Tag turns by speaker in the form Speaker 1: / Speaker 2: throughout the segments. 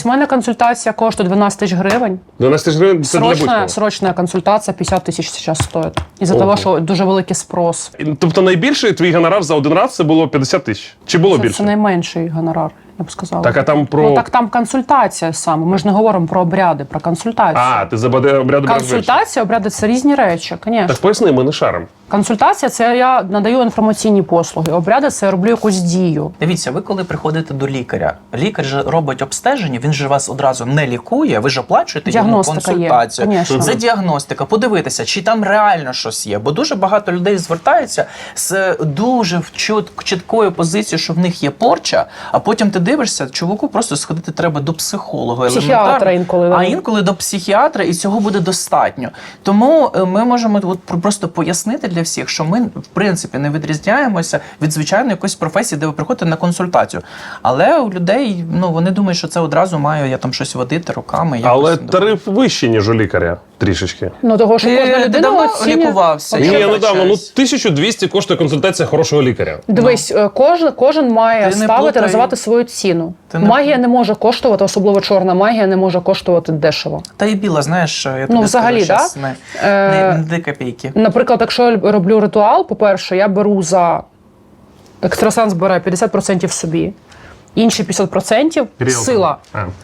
Speaker 1: У мене консультація коштує 12 тисяч гривень.
Speaker 2: 12 тисяч гривень – це для будь-кого?
Speaker 1: Срочна консультація 50 тисяч зараз стоїть. Із-за того, що дуже великий спрос.
Speaker 2: Тобто найбільший твій гонорар за один раз це було 50 тисяч? Чи було більше?
Speaker 1: Це найменший гонорар, я б сказала.
Speaker 2: Так, а там про...
Speaker 1: Ну так там консультація саме. Ми ж не говоримо про обряди, про консультацію.
Speaker 2: А, ти за обряди береш більше.
Speaker 1: Консультація, обряди – це різні речі, звісно.
Speaker 2: Так поясни, ми не шаримо.
Speaker 1: Консультація – це я надаю інформаційні послуги. Обряди – це я роблю якусь дію.
Speaker 3: Дивіться, ви коли приходите до лікаря, лікар же робить обстеження, він же вас одразу не лікує, ви ж оплачуєте йому консультацію.
Speaker 1: Є,
Speaker 3: це діагностика, подивитися, чи там реально щось є. Бо дуже багато людей звертаються з дуже чіткою позицією, що в них є порча, а потім ти дивишся, чуваку просто сходити треба до психолога.
Speaker 1: Психіатра інколи.
Speaker 3: А інколи до психіатра, і цього буде достатньо. Тому ми можемо просто пояснити для всіх, що ми, в принципі, не відрізняємося від звичайної якоїсь професії, де ви приходите на консультацію. Але у людей, вони думають, що це одразу маю я там щось водити руками.
Speaker 2: Але тариф вищий, ніж у лікаря, трішечки.
Speaker 1: Ну, того, що кожна людина
Speaker 3: давно
Speaker 1: оцінює...
Speaker 3: лікувався?
Speaker 2: Ні, недавно. 1200 коштує консультація хорошого лікаря.
Speaker 1: Дивись, кожен має ставити, називати свою ціну. Магія не може коштувати, особливо чорна магія, не може коштувати дешево.
Speaker 3: Та і біла, знаєш, я тобі
Speaker 1: взагалі,
Speaker 3: скажу,
Speaker 1: да?
Speaker 3: не копійки.
Speaker 1: Наприклад, якщо я роблю ритуал, по-перше, я беру екстрасенс бере 50% собі, інші 50% сила.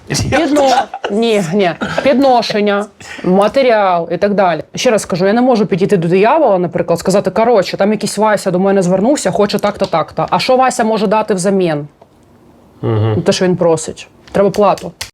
Speaker 1: Підношення, матеріал і так далі. Ще раз скажу, я не можу підійти до диявола, наприклад, сказати, коротше, там якийсь Вася до мене звернувся, хоче так-то, так-то. А що Вася може дати взамін? Те, що він просить. Треба плату.